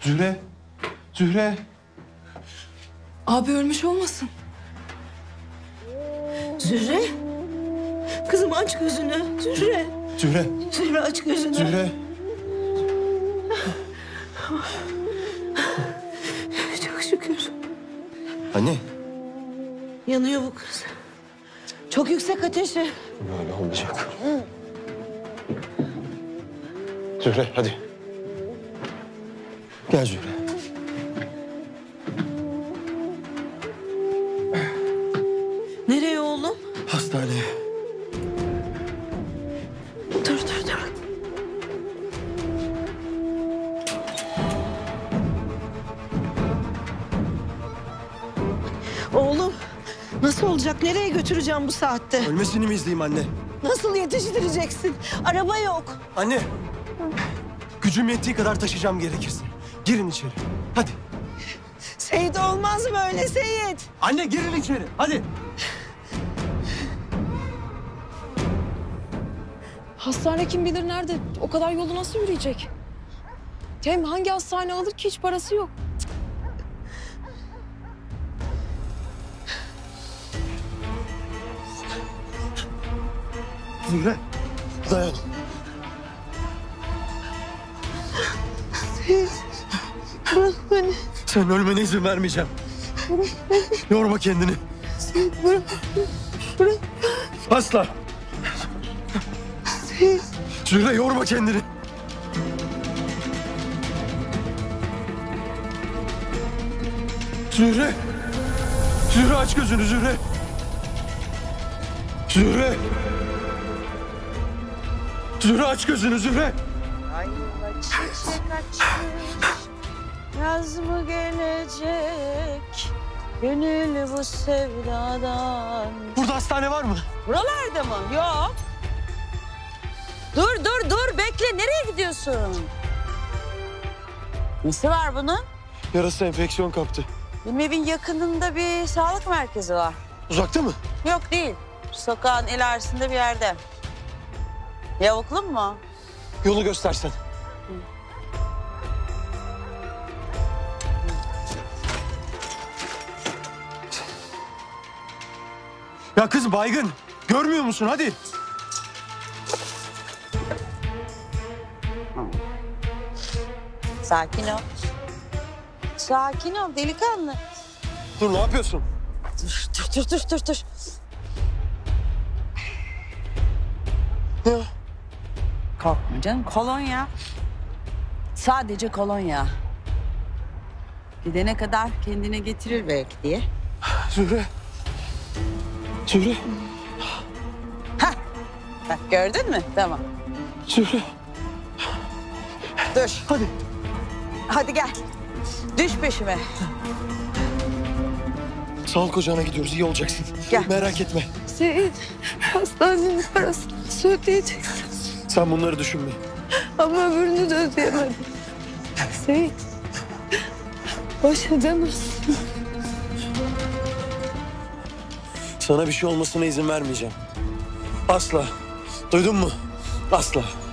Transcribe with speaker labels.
Speaker 1: Zühre. Zühre.
Speaker 2: Abi ölmüş olmasın?
Speaker 3: Zühre. Kızım aç gözünü. Zühre.
Speaker 1: Zühre.
Speaker 3: Zühre aç gözünü.
Speaker 1: Zühre.
Speaker 3: Çok şükür.
Speaker 1: Anne.
Speaker 3: Yanıyor bu kız. Çok yüksek ateşi.
Speaker 1: Böyle olmayacak. Zühre hadi. Gel Zühre.
Speaker 3: Nereye oğlum?
Speaker 1: Hastaneye.
Speaker 3: Dur. Oğlum nasıl olacak? Nereye götüreceğim bu saatte?
Speaker 1: Ölmesini mi izleyeyim anne?
Speaker 3: Nasıl yetiştireceksin? Araba yok.
Speaker 1: Anne. Gücüm yettiği kadar taşıyacağım gerekirse. Girin içeri. Hadi.
Speaker 3: Seyit olmaz böyle Seyit.
Speaker 1: Anne girin içeri. Hadi.
Speaker 2: Hastane kim bilir nerede? O kadar yolu nasıl yürüyecek? Hem hangi hastane alır ki, hiç parası yok.
Speaker 1: Zühre. Dayan.
Speaker 3: Bırak beni.
Speaker 1: Sen ölmene izin vermeyeceğim. Yorma kendini.
Speaker 3: Bırak.
Speaker 1: Asla. Zühre yorma kendini. Zühre. Zühre aç gözünü Zühre. Zühre. Zühre aç gözünü Zühre.
Speaker 3: Ayla çiçek açmış, yaz mı gelecek? Gönül bu sevdadan.
Speaker 1: Burada hastane var mı?
Speaker 3: Buralarda mı? Yok. Dur. Bekle. Nereye gidiyorsun? Nesi var bunun?
Speaker 1: Yarası enfeksiyon kaptı.
Speaker 3: Benim evin yakınında bir sağlık merkezi var.
Speaker 1: Uzakta mı?
Speaker 3: Yok değil. Sokağın ilerisinde bir yerde. Yavuklu mu?
Speaker 1: Yolu göstersen. Ya kız baygın. Görmüyor musun? Hadi.
Speaker 3: Sakin ol. Sakin ol delikanlı.
Speaker 1: Dur ne yapıyorsun?
Speaker 3: Dur.
Speaker 1: Ya.
Speaker 3: Korkma canım. Kolonya. Sadece kolonya. Gidene kadar kendine getirir belki diye.
Speaker 1: Zühre. Zühre.
Speaker 3: Bak gördün mü? Tamam.
Speaker 1: Zühre.
Speaker 3: Dur.
Speaker 1: Hadi.
Speaker 3: Hadi gel. Düş peşime.
Speaker 1: Sağlık ocağına gidiyoruz. İyi olacaksın.
Speaker 3: Gel.
Speaker 1: Merak etme.
Speaker 2: Seyit, hastanenin parasını ödeyeceksin.
Speaker 1: Sen bunları düşünme.
Speaker 2: Ama öbürünü de ödeyemedim. Seyit, baş edemezsin.
Speaker 1: Sana bir şey olmasına izin vermeyeceğim. Asla. Duydun mu? Asla.